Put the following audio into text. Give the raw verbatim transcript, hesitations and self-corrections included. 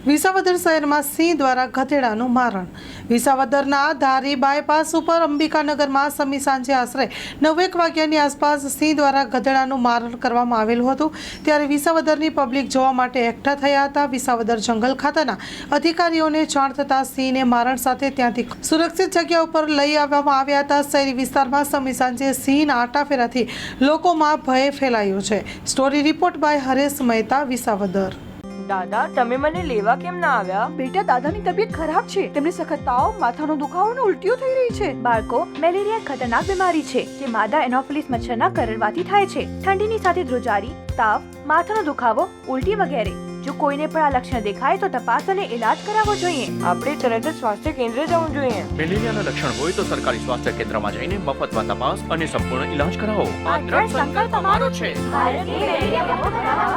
વિસાવદર શહેરમાં સિંહ દ્વારા ગધેડાનું મારણ. વિસાવદરના ધારી બાયપાસ ઉપર અંબિકાનગરમાં સમી સાંજે આશરે નવેક વાગ્યાની આસપાસ સિંહ દ્વારા ગધેડાનું મારણ કરવામાં આવેલું હતું. ત્યારે વિસાવદરની પબ્લિક જોવા માટે એકઠા થયા હતા. વિસાવદર જંગલ ખાતાના અધિકારીઓને જાણ થતાં સિંહને મારણ સાથે ત્યાંથી સુરક્ષિત જગ્યા ઉપર લઈ આવવામાં આવ્યા હતા. શહેરી વિસ્તારમાં સમી સાંજે સિંહના આટાફેરાથી લોકોમાં ભય ફેલાયો છે. Story report by Haresh Mehta, Visavadar. દાદા, તમે મને લેવા કેમ ના આવ્યા? બેટા, દાદાની તબિયત ખરાબ છે. તેમને સખત તાવ, માથાનો દુખાવો અને ઉલટીઓ થઈ રહી છે. બાળકો, મેલેરિયા ખતરનાક બીમારી છે જે માદા એનોફિલિસ મચ્છરના કરડવાથી થાય છે. ઠંડીની સાથે ધ્રુજારી, તાવ, માથાનો દુખાવો, ઉલટી વગેરે. જો કોઈને પણ આ લક્ષણ દેખાય તો તપાસ અને ઇલાજ કરાવવો જોઈએ. આપણે તરત જ સ્વાસ્થ્ય કેન્દ્ર જવું જોઈએ. મેલેરિયાના લક્ષણ હોય તો સરકારી સ્વાસ્થ્ય કેન્દ્રમાં જઈને મફતમાં તપાસ અને સંપૂર્ણ ઇલાજ કરાવો. આ દ્રઢ સંકલ્પ અમારો છે. ભારતની મેલેરિયા મુક્ત બનાવવા